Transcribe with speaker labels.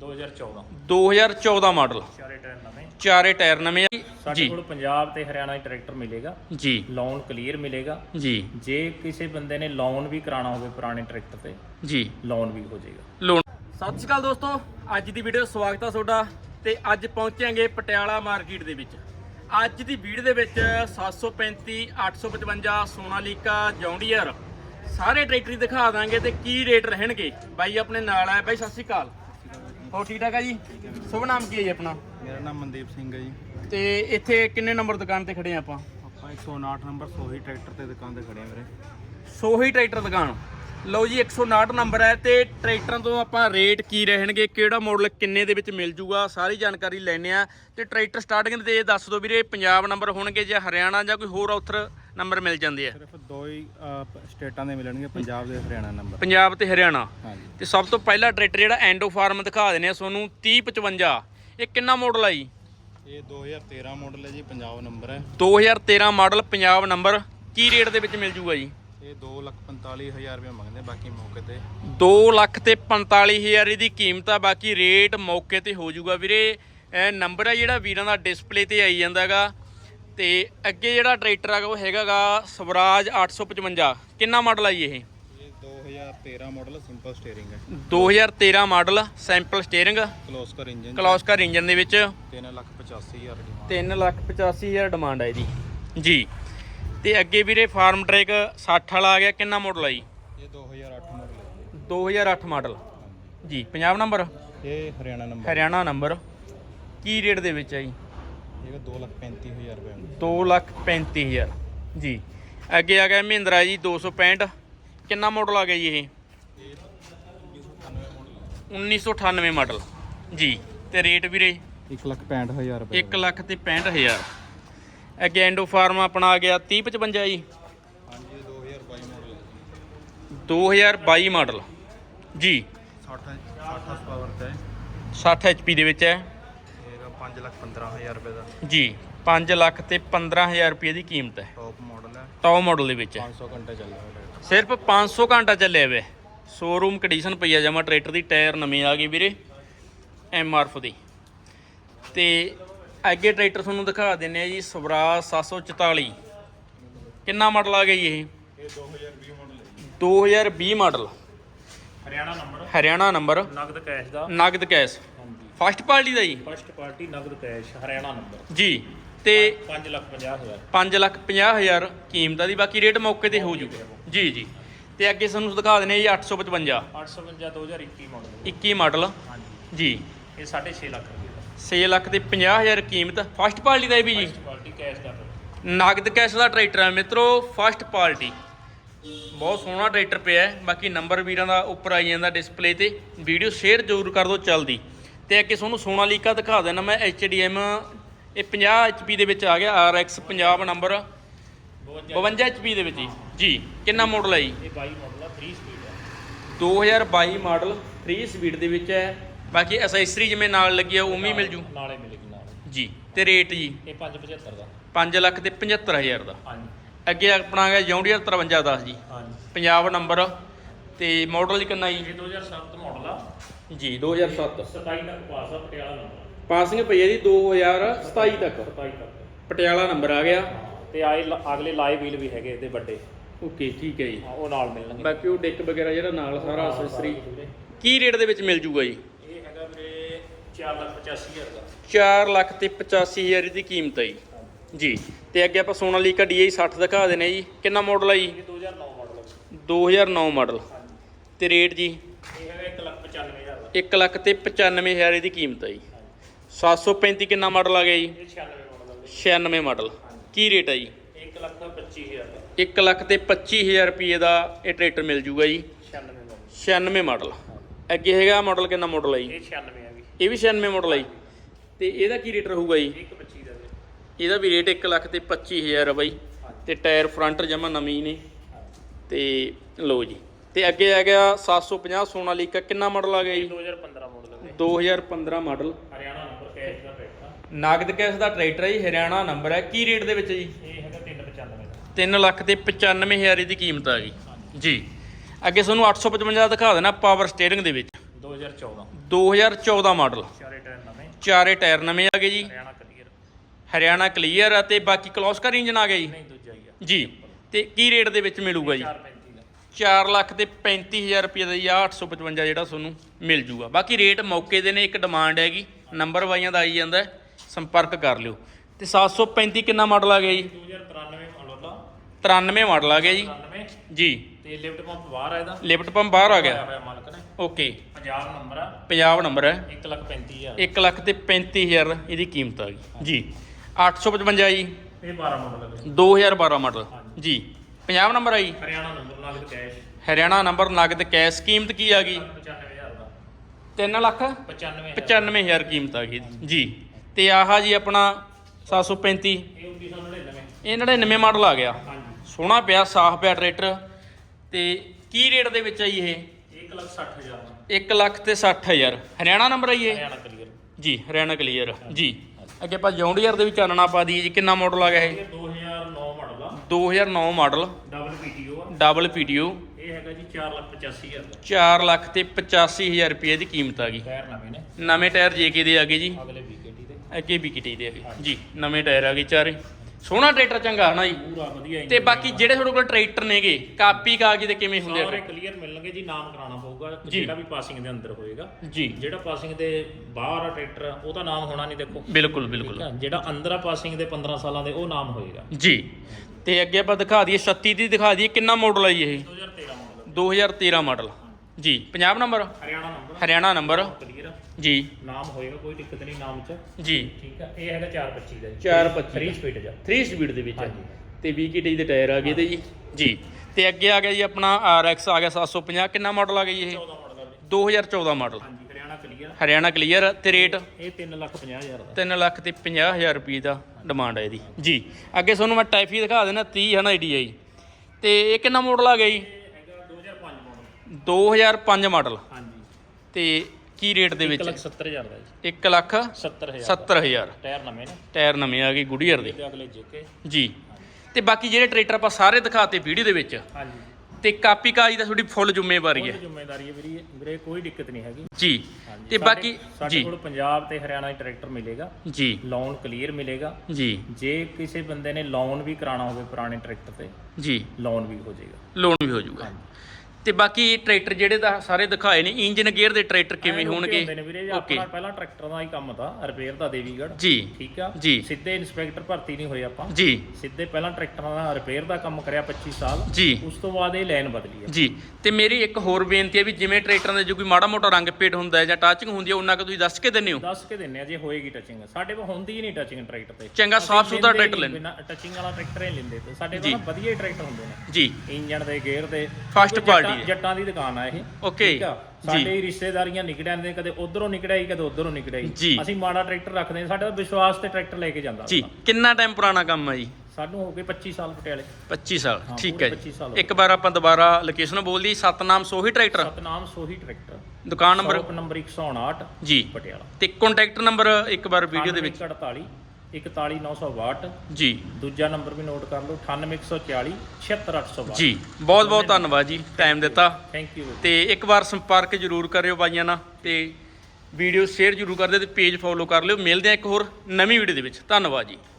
Speaker 1: 2014 model. ਚਾਰੇ tyre ਨਵੇਂ
Speaker 2: ਸਾਡੇ ਕੋਲ ਪੰਜਾਬ ਤੇ ਹਰਿਆਣਾ ਦਾ ਟਰੈਕਟਰ ਮਿਲੇਗਾ
Speaker 1: ਜੀ।
Speaker 2: ਲੋਨ ਕਲੀਅਰ ਮਿਲੇਗਾ
Speaker 1: ਜੀ।
Speaker 2: ਜੇ ਕਿਸੇ ਬੰਦੇ ਨੇ ਲੋਨ ਵੀ ਕਰਾਉਣਾ ਹੋਵੇ ਪੁਰਾਣੇ ਟਰੈਕਟਰ ਤੇ ਜੀ ਲੋਨ ਵੀ ਹੋ ਜਾਏਗਾ
Speaker 1: ਲੋਨ। ਸਤਿ ਸ਼੍ਰੀ ਅਕਾਲ ਦੋਸਤੋ, ਅੱਜ ਦੀ ਵੀਡੀਓ ਸਵਾਗਤ ਹੈ ਤੁਹਾਡਾ। ਤੇ ਅੱਜ ਪਹੁੰਚਾਂਗੇ ਪਟਿਆਲਾ ਮਾਰਕੀਟ ਦੇ ਵਿੱਚ। ਅੱਜ ਦੀ ਵੀਡੀਓ ਦੇ ਵਿੱਚ 735 855 ਸੋਨਾਲੀਕਾ ਜੌਂਡੀਅਰ ਸਾਰੇ ਟਰੈਕਟਰ ਹੀ ਦਿਖਾ ਦਾਂਗੇ ਤੇ ਕੀ ਰੇਟ ਰਹਿਣਗੇ। ਬਾਈ ਆਪਣੇ ਨਾਲ ਹੈ। ਬਾਈ ਸਤਿ ਸ਼੍ਰੀ ਅਕਾਲ, ਹੋਰ ਠੀਕ ਠਾਕ ਹੈ ਜੀ? ਸ਼ੁਭ ਨਾਮ ਕੀ ਹੈ ਜੀ ਆਪਣਾ?
Speaker 3: ਮੇਰਾ ਨਾਮ ਮਨਦੀਪ ਸਿੰਘ ਹੈ ਜੀ।
Speaker 1: ਤੇ ਇੱਥੇ ਕਿੰਨੇ ਨੰਬਰ ਦੁਕਾਨ ਤੇ ਖੜੇ ਆਪਾਂ?
Speaker 3: ਆਪਾਂ 159 ਨੰਬਰ ਸੋਹੀ ਟਰੈਕਟਰ ਤੇ ਦੁਕਾਨ ਤੇ ਖੜੇ ਆ ਵੀਰੇ।
Speaker 1: ਸੋਹੀ ਟਰੈਕਟਰ ਦੁਕਾਨ। ਲਓ ਜੀ 159 ਨੰਬਰ ਹੈ ਤੇ ਟਰੈਕਟਰਾਂ ਤੋਂ ਆਪਾਂ ਰੇਟ ਕੀ ਰਹਿਣਗੇ, ਕਿਹੜਾ ਮਾਡਲ ਕਿੰਨੇ ਦੇ ਵਿੱਚ ਮਿਲ ਜੂਗਾ, ਸਾਰੀ ਜਾਣਕਾਰੀ ਲੈਣੇ ਆ। ਤੇ ਟਰੈਕਟਰ ਸਟਾਰਟਿੰਗ ਤੇ ਇਹ ਦੱਸ ਦਿਓ ਵੀਰੇ, ਪੰਜਾਬ ਨੰਬਰ ਹੋਣਗੇ ਜਾਂ ਹਰਿਆਣਾ ਜਾਂ ਕੋਈ ਹੋਰ ਆਥਰ ਨੰਬਰ ਮਿਲ ਜਾਂਦੇ ਆ? ਸਿਰਫ
Speaker 3: ਦੋ ਹੀ ਸਟੇਟਾਂ ਦੇ ਮਿਲਣਗੇ, ਪੰਜਾਬ ਤੇ ਹਰਿਆਣਾ ਨੰਬਰ।
Speaker 1: ਪੰਜਾਬ ਤੇ ਹਰਿਆਣਾ।
Speaker 3: ਹਾਂਜੀ।
Speaker 1: ਤੇ ਸਭ ਤੋਂ ਪਹਿਲਾ ਟਰੈਕਟਰ ਜਿਹੜਾ ਐਂਡੋ ਫਾਰਮ ਦਿਖਾ ਦਿੰਦੇ ਆ ਤੁਹਾਨੂੰ 3055। ਇਹ ਕਿੰਨਾ ਮਾਡਲ ਆ ਜੀ?
Speaker 3: ਇਹ 2013 ਮਾਡਲ ਹੈ ਜੀ, ਪੰਜਾਬ ਨੰਬਰ ਹੈ।
Speaker 1: 2013 ਮਾਡਲ ਪੰਜਾਬ ਨੰਬਰ। ਕੀ ਰੇਟ ਦੇ ਵਿੱਚ ਮਿਲ ਜੂਗਾ ਜੀ?
Speaker 3: ਇਹ 2,45,000 ਰੁਪਏ ਮੰਗਦੇ, ਬਾਕੀ ਮੌਕੇ ਤੇ
Speaker 1: 2,45,000 ਦੀ ਕੀਮਤ ਆ, ਬਾਕੀ ਰੇਟ ਮੌਕੇ ਤੇ ਹੋ ਜੂਗਾ ਵੀਰੇ। ਇਹ ਨੰਬਰ ਹੈ ਜਿਹੜਾ ਵੀਰਾਂ ਦਾ ਡਿਸਪਲੇ ਤੇ ਆਈ ਜਾਂਦਾਗਾ। ਤੇ ਅੱਗੇ ਜਿਹੜਾ ਟਰੈਕਟਰ ਆ ਉਹ ਹੈਗਾਗਾ ਸਵਰਾਜ 855। ਕਿੰਨਾ ਮਾਡਲ ਆ ਜੀ ਇਹ?
Speaker 3: 2013 ਮਾਡਲ ਸਿੰਪਲ ਸਟੀਅਰਿੰਗ ਹੈ।
Speaker 1: 2013 model sample steering
Speaker 3: Kirloskar engine.
Speaker 1: Kirloskar engine ਦੇ ਵਿੱਚ
Speaker 3: 3,85,000 ਡਿਮਾਂਡ।
Speaker 1: 3,85,000 ਡਿਮਾਂਡ ਹੈ ਇਹਦੀ ਜੀ। ਤੇ ਅੱਗੇ ਵੀਰੇ ਫਾਰਮ ਟਰੈਕ 60 ਵਾਲਾ ਆ ਗਿਆ। ਕਿੰਨਾ ਮਾਡਲ ਆ ਜੀ?
Speaker 3: ਇਹ 2008 ਮਾਡਲ ਹੈ।
Speaker 1: 2008 ਮਾਡਲ ਜੀ। ਪੰਜਾਬ ਨੰਬਰ?
Speaker 3: ਇਹ ਹਰਿਆਣਾ ਨੰਬਰ।
Speaker 1: ਹਰਿਆਣਾ ਨੰਬਰ। ਕੀ ਰੇਟ ਦੇ ਵਿੱਚ ਆ ਜੀ?
Speaker 3: ਇਹ 2,35,000 ਰੁਪਏ।
Speaker 1: 2,35,000 ਜੀ। ਅੱਗੇ ਆ ਗਿਆ ਮਹਿੰਦਰਾ ਜੀ 265। ਕਿੰਨਾ ਮਾਡਲ ਆ ਗਿਆ ਜੀ ਇਹ? 1998 ਮਾਡਲ ਜੀ। ਤੇ ਰੇਟ ਵੀਰੇ
Speaker 3: 1,65,000 ਰੁਪਏ।
Speaker 1: 1,65,000। ਅੱਗੇ ਐਂਡੋ ਫਾਰਮ ਆਪਣਾ ਆ ਗਿਆ 3055 ਜੀ।
Speaker 3: ਹਾਂਜੀ, ਇਹ 2022 ਮਾਡਲ ਹੈ।
Speaker 1: 2022 ਮਾਡਲ ਜੀ।
Speaker 3: 60 ਪਾਵਰ ਦਾ ਹੈ।
Speaker 1: 60 HP ਦੇ ਵਿੱਚ ਹੈ।
Speaker 3: ਇਹ 5,15,000 ਰੁਪਏ ਦਾ
Speaker 1: ਜੀ। 5,15,000 ਰੁਪਏ ਦੀ ਕੀਮਤ ਹੈ।
Speaker 3: ਟੌਪ ਮਾਡਲ ਹੈ।
Speaker 1: ਟੌਪ ਮਾਡਲ ਦੇ ਵਿੱਚ ਹੈ।
Speaker 3: 500 ਘੰਟੇ ਚੱਲਿਆ ਹੋਇਆ।
Speaker 1: ਸਿਰਫ 500 ਘੰਟਾ ਚੱਲਿਆ ਵੇ। ਸ਼ੋਰੂਮ ਕੰਡੀਸ਼ਨ ਪਈ ਆ ਜਮਾ ਟਰੈਕਟਰ ਦੀ। ਟਾਇਰ ਨਵੇਂ ਆ ਗਏ ਵੀਰੇ MRF ਦੀ। ਤੇ ਅੱਗੇ ਟਰੈਕਟਰ ਤੁਹਾਨੂੰ ਦਿਖਾ ਦਿੰਨੇ ਆ ਜੀ ਸਵਰਾਜ 744। ਕਿੰਨਾ ਮਾਡਲ ਆ ਗਿਆ ਜੀ ਇਹ?
Speaker 3: 2020 ਮਾਡਲ ਹੈ।
Speaker 1: 2020 model
Speaker 2: Haryana number.
Speaker 1: Haryana number.
Speaker 2: ਨਗਦ ਕੈਸ਼ ਦਾ।
Speaker 1: ਨਗਦ ਕੈਸ਼। ਫਸਟ ਪਾਰਟੀ ਦਾ ਜੀ?
Speaker 2: ਫਸਟ ਪਾਰਟੀ ਨਗਦ ਕੈਸ਼ ਹਰਿਆਣਾ ਨੰਬਰ
Speaker 1: ਜੀ। ਤੇ
Speaker 2: 5,50,000।
Speaker 1: 5,50,000 ਕੀਮਤ ਦੀ, ਬਾਕੀ ਰੇਟ ਮੌਕੇ ਤੇ ਹੋ ਜੂਗਾ ਜੀ। ਜੀ। ਤੇ ਅੱਗੇ ਤੁਹਾਨੂੰ ਦਿਖਾ ਦਿੰਨੇ ਜੀ 855।
Speaker 2: 855 2021 ਮਾਡਲ।
Speaker 1: 21 ਮਾਡਲ
Speaker 2: ਹਾਂਜੀ
Speaker 1: ਜੀ।
Speaker 2: ਇਹ 6.5 ਲੱਖ ਰੁਪਏ ਦਾ।
Speaker 1: 6,50,000 ਕੀਮਤ। ਫਸਟ ਪਾਰਟੀ ਦਾ ਇਹ ਵੀ ਜੀ?
Speaker 2: ਫਸਟ ਪਾਰਟੀ ਕੈਸ਼ ਦਾ।
Speaker 1: ਨਗਦ ਕੈਸ਼ ਦਾ ਟਰੈਕਟਰ ਹੈ ਮਿੱਤਰੋ, ਫਸਟ ਪਾਰਟੀ। ਬਹੁਤ ਸੋਹਣਾ ਟਰੈਕਟਰ ਪਿਆ ਹੈ। ਬਾਕੀ ਨੰਬਰ ਵੀਰਾਂ ਦਾ ਉੱਪਰ ਆਈ ਜਾਂਦਾ ਡਿਸਪਲੇ ਤੇ। ਵੀਡੀਓ ਸ਼ੇਅਰ ਜ਼ਰੂਰ ਕਰ ਦਿਓ ਚੱਲਦੀ। ਤੇ ਅੱਗੇ ਤੁਹਾਨੂੰ ਸੋਨਾਲੀਕਾ ਦਿਖਾ ਦੇਣਾ ਮੈਂ HDM। ਇਹ 50 HP ਦੇ ਵਿੱਚ ਆ ਗਿਆ। RX ਪੰਜਾਬ ਨੰਬਰ 52 HP ਦੇ ਵਿੱਚ ਜੀ। ਕਿੰਨਾ ਮਾਡਲ ਹੈ ਜੀ?
Speaker 2: ਇਹ 22 ਮਾਡਲ ਆ, 3 ਸਪੀਡ ਆ।
Speaker 1: 2022 ਮਾਡਲ 3 ਸਪੀਡ ਦੇ ਵਿੱਚ ਹੈ। ਬਾਕੀ ਐਸੈਸਰੀ ਜਿਵੇਂ ਨਾਲ ਲੱਗੀ ਆ ਉਵੇਂ ਹੀ ਮਿਲ ਜੂ
Speaker 2: ਨਾਲੇ ਮਿਲੇਗੀ ਨਾਲ
Speaker 1: ਜੀ। ਤੇ ਰੇਟ ਜੀ?
Speaker 3: ਇਹ 5,75 ਦਾ।
Speaker 1: 5,75,000 ਦਾ।
Speaker 2: ਹਾਂਜੀ।
Speaker 1: ਅੱਗੇ ਆਪਣਾ ਆ ਗਿਆ ਜੌਂਡੀਅਰ 5310 ਜੀ।
Speaker 2: ਹਾਂਜੀ।
Speaker 1: ਪੰਜਾਬ ਨੰਬਰ। ਤੇ ਮਾਡਲ ਜੀ ਕਿੰਨਾ ਜੀ?
Speaker 2: ਇਹ 2007 ਮਾਡਲ ਆ
Speaker 1: ਜੀ। 2007।
Speaker 2: 27 ਤੱਕ ਪਾਸ ਆ। ਪਟਿਆਲਾ ਨੰਬਰ।
Speaker 1: ਪਾਸਿੰਗ ਪਈ ਹੈ ਜੀ 2027 ਤੱਕ।
Speaker 2: 27 ਤੱਕ
Speaker 1: ਪਟਿਆਲਾ ਨੰਬਰ ਆ ਗਿਆ।
Speaker 2: ਤੇ ਅਗਲੇ ਲਾਈਵ ਵੀਲ ਵੀ ਹੈਗੇ ਇਹਦੇ ਵੱਡੇ।
Speaker 1: ਓਕੇ ਠੀਕ ਹੈ ਜੀ।
Speaker 2: ਉਹ ਨਾਲ ਮਿਲਣਗੇ।
Speaker 1: ਬਾਕੀ ਉਹ ਡਿੱਕ ਵਗੈਰਾ ਜਿਹੜਾ ਨਾਲ ਸਾਰਾ ਐਕਸੈਸਰੀ ਕੀ ਰੇਟ ਦੇ ਵਿੱਚ ਮਿਲ ਜੂਗਾ ਜੀ?
Speaker 2: ਇਹ ਹੈਗਾ ਵੀਰੇ 4,85,000 ਦਾ।
Speaker 1: 4,85,000 ਦੀ ਕੀਮਤ ਹੈ ਜੀ। ਤੇ ਅੱਗੇ ਆਪਾਂ ਸੋਨਾਲੀਕਾ DI 60 ਦਿਖਾ ਦੇਣੇ ਜੀ। ਕਿੰਨਾ ਮਾਡਲ ਹੈ ਜੀ?
Speaker 2: ਇਹ 2009 ਮਾਡਲ ਹੈ।
Speaker 1: 2009 ਮਾਡਲ। ਤੇ ਰੇਟ ਜੀ?
Speaker 2: ਇਹ ਹੈਗਾ 1,95,000 ਦਾ।
Speaker 1: 1,95,000 ਦੀ ਕੀਮਤ ਹੈ ਜੀ। 735 ਕਿੰਨਾ ਮਾਡਲ ਆ ਗਿਆ ਜੀ?
Speaker 2: ਇਹ 96 ਮਾਡਲ ਹੈ।
Speaker 1: 96 ਮਾਡਲ। ਕੀ ਰੇਟ ਹੈ ਜੀ?
Speaker 2: 1,25,000 ਦਾ।
Speaker 1: 1,25,000 ਰੁਪਏ ਦਾ ਇਹ ਟਰੈਕਟਰ ਮਿਲ ਜੂਗਾ ਜੀ।
Speaker 2: 96 ਮਾਡਲ।
Speaker 1: 96 ਮਾਡਲ। ਅੱਗੇ ਹੈਗਾ ਮਾਡਲ ਕਿੰਨਾ ਮਾਡਲ ਹੈ ਜੀ?
Speaker 2: ਇਹ 96 ਆ ਵੀ।
Speaker 1: ਇਹ ਵੀ 96 ਮਾਡਲ ਹੈ ਜੀ। ਤੇ ਇਹਦਾ ਕੀ ਰੇਟ ਰਹੂਗਾ ਜੀ?
Speaker 2: 1,25 ਦਾ ਵੀਰੇ।
Speaker 1: ਇਹਦਾ ਵੀ ਰੇਟ 1,25,000 ਹੈ ਬਾਈ। ਤੇ ਟਾਇਰ ਫਰੰਟ ਜਮਾ ਨਵੀਂ ਨੇ। ਤੇ ਲਓ ਜੀ। ਤੇ ਅੱਗੇ ਆ ਗਿਆ 750 ਸੋਨਾਲੀਕਾ। ਕਿੰਨਾ ਮਾਡਲ ਆ ਗਿਆ ਜੀ?
Speaker 2: 2015 ਮਾਡਲ ਹੈ।
Speaker 1: 2015 ਮਾਡਲ।
Speaker 2: ਹਰਿਆਣਾ ਨੰਬਰ ਕੈਸ਼ ਦਾ ਟਰੈਕਟਰ।
Speaker 1: ਨਗਦ ਕੈਸ਼ ਦਾ ਟਰੈਕਟਰ ਹੈ ਜੀ। ਹਰਿਆਣਾ ਨੰਬਰ ਹੈ। ਕੀ ਰੇਟ ਦੇ ਵਿੱਚ ਜੀ?
Speaker 2: ਇਹ ਹੈਗਾ 3,95 ਦਾ।
Speaker 1: 3,95,000 ਦੀ ਕੀਮਤ ਆ ਗਈ ਜੀ। ਅੱਗੇ ਤੁਹਾਨੂੰ 855 ਦਿਖਾ ਦੇਣਾ ਪਾਵਰ ਸਟੀਅਰਿੰਗ ਦੇ ਵਿੱਚ।
Speaker 2: 2014
Speaker 1: 2014 ਮਾਡਲ,
Speaker 2: ਚਾਰੇ ਟਾਇਰ ਨਵੇਂ,
Speaker 1: ਚਾਰੇ ਟਾਇਰ ਨਵੇਂ ਆ ਗਏ ਜੀ,
Speaker 2: ਹਰਿਆਣਾ ਕਲੀਅਰ।
Speaker 1: ਹਰਿਆਣਾ ਕਲੀਅਰ ਆ ਤੇ ਬਾਕੀ ਕਲੋਸਕਰ ਇੰਜਨ ਆ ਗਿਆ ਜੀ।
Speaker 2: ਨਹੀਂ ਦੂਜਾ ਹੀ ਆ।
Speaker 1: ਜੀ ਤੇ ਕੀ ਰੇਟ ਦੇ ਵਿੱਚ ਮਿਲੂਗਾ ਜੀ?
Speaker 2: 435 ਦਾ।
Speaker 1: 4,35,000 ਰੁਪਏ ਦਾ ਜੀ, 855 ਜਿਹੜਾ ਤੁਹਾਨੂੰ ਮਿਲ ਜੂਗਾ। ਬਾਕੀ ਰੇਟ ਮੌਕੇ ਦੇ ਨੇ, ਇੱਕ ਡਿਮਾਂਡ ਹੈਗੀ, ਨੰਬਰ ਵਾਈਆਂ ਦਾ ਆਈ ਜਾਂਦਾ, ਸੰਪਰਕ ਕਰ ਲਿਓ। ਤੇ 735 ਕਿੰਨਾ ਮਾਡਲ ਆ ਗਿਆ ਜੀ?
Speaker 2: 2093 ਮਾਡਲ ਦਾ,
Speaker 1: 93 ਮਾਡਲ ਆ ਗਿਆ ਜੀ।
Speaker 2: 93
Speaker 1: ਜੀ
Speaker 2: ਤੇ ਲਿਫਟ ਪੰਪ ਬਾਹਰ ਆ ਇਹਦਾ,
Speaker 1: ਲਿਫਟ ਪੰਪ ਬਾਹਰ ਆ ਗਿਆ।
Speaker 2: ਹੋਇਆ ਮਾਲਕ ਨੇ।
Speaker 1: ਓਕੇ,
Speaker 2: ਪੰਜਾਬ ਨੰਬਰ ਆ,
Speaker 1: ਪੰਜਾਬ ਨੰਬਰ ਹੈ,
Speaker 2: 1,35,000।
Speaker 1: 1,35,000 ਇਹਦੀ ਕੀਮਤ ਆ ਗਈ ਜੀ। 855 ਜੀ,
Speaker 2: ਇਹ 12 ਮਾਡਲ ਹੈ,
Speaker 1: 2012 ਮਾਡਲ ਜੀ। ਪੰਜਾਬ ਨੰਬਰ ਆ ਜੀ,
Speaker 2: ਹਰਿਆਣਾ ਨੰਬਰ ਨਾਲ ਕੈਸ਼,
Speaker 1: ਹਰਿਆਣਾ ਨੰਬਰ, ਨਗਦ ਕੈਸ਼। ਕੀਮਤ ਕੀ ਆ ਗਈ?
Speaker 2: 95,000 ਦਾ,
Speaker 1: 3,95,000
Speaker 2: 95,000
Speaker 1: ਕੀਮਤ ਆ ਗਈ ਜੀ। ਤੇ ਆਹ ਜੀ ਆਪਣਾ 735,
Speaker 2: ਇਹ 1999।
Speaker 1: ਇਹ 99 ਮਾਡਲ ਆ ਗਿਆ।
Speaker 2: ਹਾਂਜੀ,
Speaker 1: ਸੋਹਣਾ ਪਿਆ, ਸਾਫ਼ ਪਿਆ ਟਰੈਕਟਰ। ਤੇ ਕੀ ਰੇਟ ਦੇ ਵਿੱਚ ਆ ਜੀ ਇਹ?
Speaker 2: 1,60,000 ਦਾ,
Speaker 1: 1,60,000। ਹਰਿਆਣਾ ਨੰਬਰ ਆ ਜੀ ਇਹ?
Speaker 2: ਹਰਿਆਣਾ ਕਲੀਅਰ।
Speaker 1: ਜੀ ਹਰਿਆਣਾ ਕਲੀਅਰ ਜੀ। ਅੱਗੇ ਆਪਾਂ ਜੌਂਡੀਅਰ ਦੇ ਵੀ ਚਾਨਣਾ ਪਾ ਦਈਏ ਜੀ। ਕਿੰਨਾ ਮਾਡਲ ਆ ਗਿਆ ਇਹ?
Speaker 2: ਇਹ 2009 ਮਾਡਲ ਆ,
Speaker 1: 2009 ਮਾਡਲ,
Speaker 2: ਡਬਲ ਪੀਟੀਓ ਆ।
Speaker 1: Double PTO.
Speaker 2: ਇਹ ਹੈਗਾ ਜੀ 4,85,000 ਦਾ,
Speaker 1: 4,85,000 ਰੁਪਏ ਦੀ ਕੀਮਤ ਆ ਗਈ।
Speaker 2: ਟਾਇਰ ਨਵੇਂ ਨੇ,
Speaker 1: ਨਵੇਂ ਟਾਇਰ ਜੇਕੇ ਦੇ ਆ ਗਏ ਜੀ,
Speaker 2: ਅਗਲੇ ਵੀਕੇਟੀ ਦੇ,
Speaker 1: ਅੱਗੇ ਵੀ ਕਿਤੇ ਦੇ ਆ ਗਏ ਜੀ। ਨਵੇਂ ਟਾਇਰ ਆ ਗਏ ਚਾਰੇ। ਸੋਹਣਾ ਟਰੈਕਟਰ, ਚੰਗਾ ਹੈ ਨਾ ਜੀ।
Speaker 2: ਪੂਰਾ ਵਧੀਆ
Speaker 1: ਤੇ ਬਾਕੀ ਜਿਹੜੇ ਤੁਹਾਡੇ ਕੋਲ ਟਰੈਕਟਰ ਨੇਗੇ, ਕਾਪੀ ਕਾਗਜ਼ ਦੇ ਕਿਵੇਂ ਹੁੰਦੇ
Speaker 2: ਸਾਰੇ
Speaker 1: ਆ?
Speaker 2: ਕਲੀਅਰ ਮਿਲਣਗੇ ਜੀ। ਨਾਮ ਕਰਾਉਣਾ ਪਊਗਾ
Speaker 1: ਜੀ।
Speaker 2: ਜਿਹੜਾ ਵੀ ਪਾਸਿੰਗ ਦੇ ਅੰਦਰ ਹੋਏਗਾ।
Speaker 1: ਜੀ
Speaker 2: ਜਿਹੜਾ ਪਾਸਿੰਗ ਦੇ ਬਾਹਰ ਆ ਟਰੈਕਟਰ, ਉਹਦਾ ਨਾਮ ਹੋਣਾ ਨਹੀਂ, ਦੇਖੋ।
Speaker 1: ਬਿਲਕੁਲ
Speaker 2: ਠੀਕ
Speaker 1: ਬਿਲਕੁਲ
Speaker 2: ਆ, ਜਿਹੜਾ ਅੰਦਰ ਆ ਪਾਸਿੰਗ ਦੇ 15 ਸਾਲਾਂ ਦੇ, ਉਹ ਨਾਮ ਹੋਏਗਾ।
Speaker 1: ਜੀ। ਤੇ ਅੱਗੇ ਆਪਾਂ ਦਿਖਾ ਦਈਏ 36 ਦੀ, ਦਿਖਾ ਦਈਏ ਕਿੰਨਾ ਮਾਡਲ ਆ ਜੀ ਇਹ?
Speaker 2: 2013 ਮਾਡਲ,
Speaker 1: 2013 ਮਾਡਲ ਜੀ। Punjab number,
Speaker 2: Haryana number,
Speaker 1: Haryana number
Speaker 2: clear
Speaker 1: ਜੀ।
Speaker 2: ਨਾਮ ਹੋਏਗਾ, ਕੋਈ ਦਿੱਕਤ ਨਹੀਂ ਨਾਮ 'ਚ।
Speaker 1: ਜੀ
Speaker 2: ਠੀਕ ਆ, ਇਹ ਹੈਗਾ 425 ਦਾ ਜੀ,
Speaker 1: 425
Speaker 2: 3 ਸਪੀਡ ਜਾ।
Speaker 1: 3 ਸਪੀਡ ਦੇ ਵਿੱਚ
Speaker 2: ਹਾਂਜੀ।
Speaker 1: ਤੇ 20 ਕਿਟੀ ਦੇ ਟਾਇਰ ਆ ਗਏ ਤੇ ਜੀ। ਜੀ ਤੇ ਅੱਗੇ ਆ ਗਿਆ ਜੀ ਆਪਣਾ RX ਆ ਗਿਆ 750। ਕਿੰਨਾ ਮਾਡਲ ਆ ਗਿਆ ਜੀ ਇਹ?
Speaker 2: 14 ਮਾਡਲ ਆ ਜੀ।
Speaker 1: 2014 ਮਾਡਲ,
Speaker 2: ਹਾਂਜੀ, ਹਰਿਆਣਾ ਕਲੀਅਰ।
Speaker 1: ਹਰਿਆਣਾ ਕਲੀਅਰ। ਤੇ ਰੇਟ
Speaker 2: ਇਹ 3,50,000 ਦਾ,
Speaker 1: 3,50,000 ਰੁਪਏ ਦਾ ਡਿਮਾਂਡ ਹੈ ਇਹਦੀ ਜੀ। ਅੱਗੇ ਤੁਹਾਨੂੰ ਮੈਂ ਟਾਈਫੀ ਦਿਖਾ ਦੇਣਾ 30 ਹੈ ਨਾ ADI। ਤੇ ਇਹ ਕਿੰਨਾ ਮਾਡਲ ਆ ਗਿਆ ਜੀ?
Speaker 2: ਇਹ ਹੈਗਾ 2005 ਮਾਡਲ।
Speaker 1: 2005 ਮਾਡਲ।
Speaker 2: ਹਾਂਜੀ,
Speaker 1: ਤੇ ਕੀ ਰੇਟ ਦੇ ਵਿੱਚ?
Speaker 2: 1,70,000 ਦਾ ਜੀ,
Speaker 1: 1,70,000।
Speaker 2: 70,000 ਟਾਇਰ ਨਵੇਂ ਨੇ,
Speaker 1: ਟਾਇਰ ਨਵੇਂ ਆ ਗਏ ਗੁਡੀਅਰ ਦੇ
Speaker 2: ਤੇ ਅਗਲੇ ਜੇਕੇ।
Speaker 1: ਜੀ। ਤੇ ਬਾਕੀ ਜਿਹੜੇ ਟਰੈਕਟਰ ਆਪਾਂ ਸਾਰੇ ਦਿਖਾਤੇ ਵੀਡੀਓ ਦੇ ਵਿੱਚ,
Speaker 2: ਹਾਂਜੀ,
Speaker 1: ਤੇ ਕਾਪੀ ਕਾਜ ਦਾ ਤੁਹਾਡੀ ਫੁੱਲ ਜ਼ਿੰਮੇਵਾਰੀ
Speaker 2: ਕੋਈ
Speaker 1: ਹੈ
Speaker 2: ਜ਼ਿੰਮੇਵਾਰੀ ਹੈ ਵੀਰੇ, ਕੋਈ ਦਿੱਕਤ ਨਹੀਂ ਹੈਗੀ।
Speaker 1: ਜੀ।
Speaker 2: ਹਾਂਜੀ,
Speaker 1: ਤੇ ਬਾਕੀ
Speaker 2: ਸਾਡੇ
Speaker 1: ਜੀ
Speaker 2: ਕੋਲ ਪੰਜਾਬ ਤੇ ਹਰਿਆਣਾ ਦਾ ਟਰੈਕਟਰ ਮਿਲੇਗਾ,
Speaker 1: ਜੀ
Speaker 2: ਲੋਨ ਕਲੀਅਰ ਮਿਲੇਗਾ।
Speaker 1: ਜੀ
Speaker 2: ਜੇ ਕਿਸੇ ਬੰਦੇ ਨੇ ਲੋਨ ਵੀ ਕਰਾਉਣਾ ਹੋਵੇ ਪੁਰਾਣੇ ਟਰੈਕਟਰ ਤੇ,
Speaker 1: ਜੀ,
Speaker 2: ਲੋਨ ਵੀ ਹੋ ਜਾਏਗਾ।
Speaker 1: ਲੋਨ ਵੀ ਹੋ ਜਾਊਗਾ। ਤੇ ਬਾਕੀ ਟਰੈਕਟਰ ਜਿਹੜੇ ਦਾ ਸਾਰੇ ਦਿਖਾਏ ਨੇ, ਇੰਜਨ ਗੇਅਰ ਦੇ ਟਰੈਕਟਰ ਕਿਵੇਂ ਹੋਣਗੇ?
Speaker 2: ਹੁੰਦੇ ਨੇ ਵੀਰੇ, ਆਪਣਾ ਪਹਿਲਾਂ ਟਰੈਕਟਰ ਦਾ ਹੀ ਕੰਮ ਤਾਂ ਰਿਪੇਅਰ ਦਾ ਦੇਵੀਗੜ੍ਹ।
Speaker 1: ਜੀ
Speaker 2: ਠੀਕ ਆ
Speaker 1: ਜੀ
Speaker 2: ਸਿੱਧੇ ਇੰਸਪੈਕਟਰ ਭਰਤੀ ਨਹੀਂ ਹੋਏ ਆਪਾਂ,
Speaker 1: ਜੀ
Speaker 2: ਸਿੱਧੇ ਪਹਿਲਾਂ ਟਰੈਕਟਰਾਂ ਦਾ ਰਿਪੇਅਰ ਦਾ ਕੰਮ ਕਰਿਆ 25 ਸਾਲ,
Speaker 1: ਜੀ
Speaker 2: ਉਸ ਤੋਂ ਬਾਅਦ ਇਹ ਲਾਈਨ ਬਦਲੀ ਹੈ।
Speaker 1: ਜੀ। ਤੇ ਮੇਰੀ ਇੱਕ ਹੋਰ ਬੇਨਤੀ ਹੈ ਵੀ ਜਿਵੇਂ ਟਰੈਕਟਰਾਂ ਦੇ ਜੋ ਕੋਈ ਮਾੜਾ ਮੋਟਾ ਰੰਗ ਪੇਟ ਹੁੰਦਾ ਹੈ ਜਾਂ ਟਾਚਿੰਗ ਹੁੰਦੀ ਹੈ, ਉਹਨਾਂ ਕੁ ਤੁਸੀਂ ਦੱਸ ਕੇ ਦਿੰਦੇ ਹੋ?
Speaker 2: ਦੱਸ ਕੇ ਦਿੰਨੇ ਆ ਜੇ ਹੋਏਗੀ ਟੱਚਿੰਗ। ਸਾਡੇ ਕੋਲ ਹੁੰਦੀ ਹੀ ਨਹੀਂ ਟੱਚਿੰਗ ਟਰੈਕਟਰ ਤੇ।
Speaker 1: ਚੰਗਾ ਸਾਫ ਸੁਥਰਾ ਟਰੈਕਟਰ ਲੈਣ।
Speaker 2: ਬਿਨਾਂ ਟੱਚਿੰਗ ਵਾਲਾ ਟਰੈਕਟਰ ਹੀ ਲੈਂਦੇ ਤੇ ਸਾਡੇ ਕੋਲ ਨਾ ਵਧੀਆ ਟਰੈਕਟਰ ਹੁੰਦੇ ਨੇ,
Speaker 1: ਜੀ
Speaker 2: ਇੰਜਣ ਦੇ ਗੇਅਰ ਦੇ।
Speaker 1: ਫਸਟ ਪਾਰਟੀ
Speaker 2: ਜੱਟਾਂ ਦੀ ਦੁਕਾਨ ਆ ਇਹ।
Speaker 1: ਓਕੇ
Speaker 2: ਠੀਕ ਆ, ਸਾਡੇ ਹੀ ਰਿਸ਼ਤੇਦਾਰੀਆਂ ਨਿਕੜਿਆਂ ਦੇ, ਕਦੇ ਉਧਰੋਂ ਨਿਕੜਾਈ ਕਦੇ ਉਧਰੋਂ ਨਿਕੜਾਈ।
Speaker 1: ਜੀ।
Speaker 2: ਅਸੀਂ ਮਾੜਾ ਟਰੈਕਟਰ ਰੱਖਦੇ ਹਾਂ, ਸਾਡਾ ਵਿਸ਼ਵਾਸ ਤੇ ਟਰੈਕਟਰ ਲੈ ਕੇ ਜਾਂਦਾ।
Speaker 1: ਜੀ। ਕਿੰਨਾ ਟਾਈਮ ਪੁਰਾਣਾ ਕੰਮ ਹੈ ਜੀ?
Speaker 2: ਸਾਨੂੰ ਹੋ ਗਏ 25 ਸਾਲ ਪਟਿਆਲੇ।
Speaker 1: 25 ਸਾਲ।
Speaker 2: ਹਾਂ,
Speaker 1: ਠੀਕ
Speaker 2: ਪੂਰੇ
Speaker 1: ਹੈ
Speaker 2: 25
Speaker 1: ਜੀ।
Speaker 2: ਸਾਲ
Speaker 1: ਇੱਕ ਵਾਰ ਆਪਾਂ ਦੁਬਾਰਾ ਲੋਕੇਸ਼ਨ ਬੋਲ ਦੀ। ਸਤਨਾਮ ਸੋਹੀ ਟਰੈਕਟਰ,
Speaker 2: ਸਤਨਾਮ ਸੋਹੀ ਟਰੈਕਟਰ,
Speaker 1: ਦੁਕਾਨ ਨੰਬਰ
Speaker 2: ਸ਼ੌਪ ਨੰਬਰ 159
Speaker 1: ਜੀ।
Speaker 2: ਪਟਿਆਲਾ।
Speaker 1: ਤੇ ਕੰਟੈਕਟ ਨੰਬਰ ਇੱਕ ਵਾਰ ਵੀਡੀਓ ਦੇ ਵਿੱਚ
Speaker 2: 48 41962।
Speaker 1: ਜੀ
Speaker 2: ਦੂਜਾ ਨੰਬਰ ਵੀ ਨੋਟ ਕਰ ਲਓ 98140 76862।
Speaker 1: ਜੀ। ਬਹੁਤ ਬਹੁਤ ਧੰਨਵਾਦ ਜੀ ਟਾਈਮ ਦਿੱਤਾ।
Speaker 2: Thank you.
Speaker 1: ਤੇ ਇੱਕ ਵਾਰ ਸੰਪਰਕ ਜ਼ਰੂਰ ਕਰਿਓ ਬਾਈਆਂ ਨਾਲ, ਤੇ ਵੀਡੀਓ ਸ਼ੇਅਰ ਜ਼ਰੂਰ ਕਰ ਦਿਓ, ਤੇ ਪੇਜ ਫੋਲੋ ਕਰ ਲਿਓ। ਮਿਲਦੇ ਆ ਇੱਕ ਹੋਰ ਨਵੀਂ ਵੀਡੀਓ ਦੇ ਵਿੱਚ। ਧੰਨਵਾਦ ਜੀ।